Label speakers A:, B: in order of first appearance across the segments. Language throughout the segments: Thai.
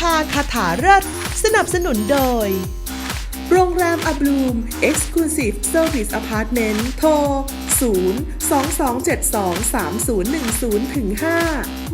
A: าคาถาเลิศสนับสนุนโดยโรงแรมอับลูม Exclusive Service Apartment โทร 022723010-5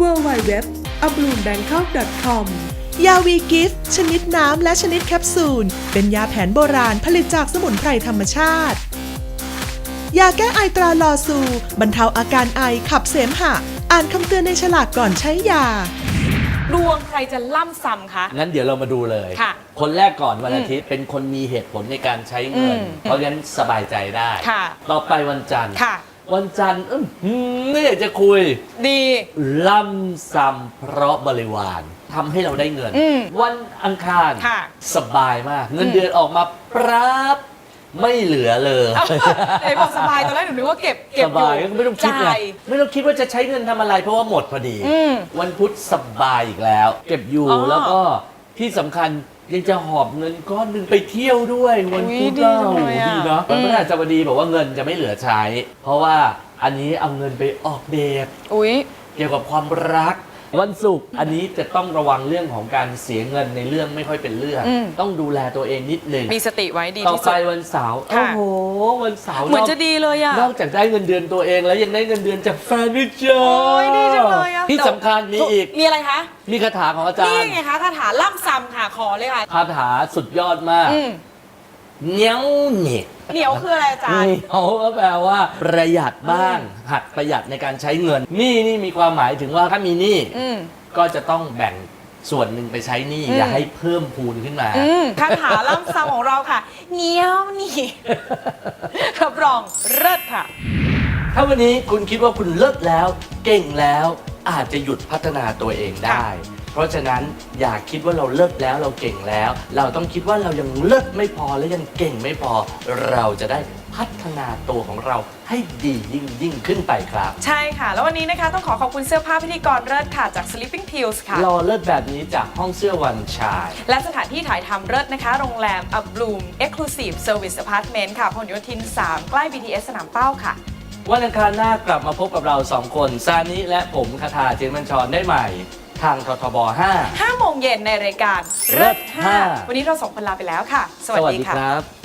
A: www.abloom.bangkok.com ยาวีกิฟต์ชนิดน้ำและชนิดแคปซูลเป็นยาแผนโบราณผลิตจากสมุนไพรธรรมชาติยาแก้ไอตราลอซูบรรเทาอาการไอขับเสมหะอ่านคำเตือนในฉลากก่อนใช้ยา
B: ดวงใครจะล่ำซ้ำคะ
C: งั้นเดี๋ยวเรามาดูเลย
B: ค่ะ
C: คนแรกก่อนวันอาทิตย์เป็นคนมีเหตุผลในการใช้เงิน เพราะงั้นสบายใจได้
B: ค่ะ
C: ต่อไปวันจันทร์
B: ค่ะ
C: วันจันทร์ไม่อยากจะคุย
B: ดี
C: ล่ำซ้ำเพราะบริวารทำให้เราได้เงินวันอังคารสบายมากเงินเดือนออกมาปรับไม่เหลือเลย
B: ไอ้บอกสบายตอนแรกหนูนึกว่าเก็บ
C: สบายก็ไม่ต้องคิดไงไม่ต้องคิดว่าจะใช้เงินทำอะไรเพราะว่าหมดพอดีวันพุธสบายอีกแล้วเก็บอยู่แล้วก็ที่สำคัญยังจะหอบเงินก้อนหนึ่งไปเที่ยวด้วยวันพุธเราดีเนาะวันพฤหัสบดีบอกว่าเงินจะไม่เหลือใช้เพราะว่าอันนี้เอาเงินไปออกเดทเกี่ยวกับความรักวันศุกร์อันนี้จะต้องระวังเรื่องของการเสียเงินในเรื่องไม่ค่อยเป็นเรื่องต้องดูแลตัวเองนิดนึง
B: มีสติไว้ดี
C: ที่สุดต่อไปวันเสาร์โอ้โหวันเสาร์
B: เหมือนจะดีเลยอะ
C: นอกจากได้เงินเดือนตัวเองแล้วยังได้เงินเดือนจากแฟนด้วยจ้า
B: ดีจังเลยอะ
C: ที่สำคัญมีอีก
B: มีอะไรคะ
C: มีคาถาของอาจารย์
B: นี่ไงคะคาถาล่ำซ้ำค่ะขอเลยค่ะ
C: คาถาสุดยอดมากเหนียวเหนีย
B: เหนียวคืออะไรอาจารย์
C: เหนียวก็แปลว่าประหยัดบ้างหัดประหยัดในการใช้เงินนี่มีความหมายถึงว่าถ้ามีหนี้ก็จะต้องแบ่งส่วนหนึ่งไปใช้หนี้อย่าให้เพิ่มพูนขึ้นมา
B: คาถาล่ำซ้ำของเราค่ะเหนียวนี่รับรองเลิศค่ะ
C: ถ้าวันนี้คุณคิดว่าคุณเลิศแล้วเก่งแล้วอาจจะหยุดพัฒนาตัวเองได้เพราะฉะนั้นอย่าคิดว่าเราเลิศแล้วเราเก่งแล้วเราต้องคิดว่าเรายังเลิศไม่พอและยังเก่งไม่พอเราจะได้พัฒนาตัวของเราให้ดียิ่งขึ้นไปครับ
B: ใช่ค่ะแล้ววันนี้นะคะต้องขอบคุณเสื้อผ้าพิธีกรเลิศค่ะจาก Sleeping Pills ค่ะ
C: รอเลิศแบบนี้จากห้องเสื้อวันชาย
B: และสถานที่ถ่ายทำเลิศนะคะโรงแรม A Bloom Exclusive Service Apartment ค่ะพหลโยธิน 3 ใกล้ BTS สนามเป้าค่ะ
C: วันอังคารหน้ากลับมาพบกับเรา2คนซานิและผมคทาเจนบัญชรได้ใหม่ทางททบ5
B: โมงเย็นในรายการเลิศ5วันนี้เรา2คนลาไปแล้วค่ะสวัสดีครับ